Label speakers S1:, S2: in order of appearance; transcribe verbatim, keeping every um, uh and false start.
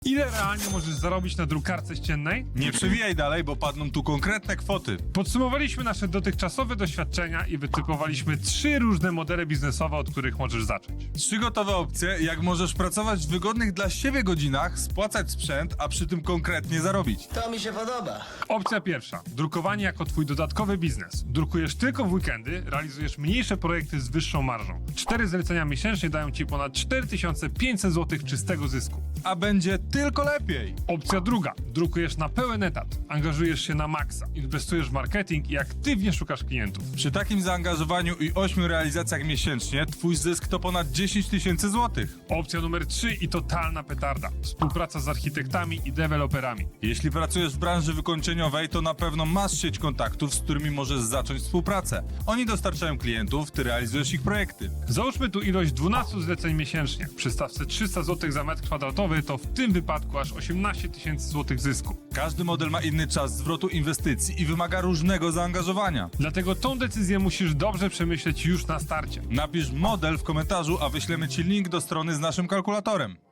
S1: Ile realnie możesz zarobić na drukarce ściennej?
S2: Nie przewijaj dalej, bo padną tu konkretne kwoty.
S1: Podsumowaliśmy nasze dotychczasowe doświadczenia i wytypowaliśmy trzy różne modele biznesowe, od których możesz zacząć.
S2: Trzy gotowe opcje, jak możesz pracować w wygodnych dla siebie godzinach, spłacać sprzęt, a przy tym konkretnie zarobić.
S3: To mi się podoba.
S1: Opcja pierwsza. Drukowanie jako twój dodatkowy biznes. Drukujesz tylko w weekendy, realizujesz mniejsze projekty z wyższą marżą. Cztery zlecenia miesięcznie dają ci ponad cztery tysiące pięćset złotych czystego zysku.
S2: A będzie tylko lepiej.
S1: Opcja druga. Drukujesz na pełen etat. Angażujesz się na maksa. Inwestujesz w marketing i aktywnie szukasz klientów.
S2: Przy takim zaangażowaniu i ośmiu realizacjach miesięcznie, twój zysk to ponad dziesięć tysięcy złotych.
S1: Opcja numer trzy i totalna petarda. Współpraca z architektami i deweloperami.
S2: Jeśli pracujesz w branży wykończeniowej, to na pewno masz sieć kontaktów, z którymi możesz zacząć współpracę. Oni dostarczają klientów, ty realizujesz ich projekty.
S1: Załóżmy tu ilość dwunastu zleceń miesięcznie. Przy stawce trzysta złotych za metr kwadratowy to w tym wypadku aż osiemnaście tysięcy złotych zysku.
S2: Każdy model ma inny czas zwrotu inwestycji i wymaga różnego zaangażowania.
S1: Dlatego tą decyzję musisz dobrze przemyśleć już na starcie.
S2: Napisz model w komentarzu, a wyślemy ci link do strony z naszym kalkulatorem.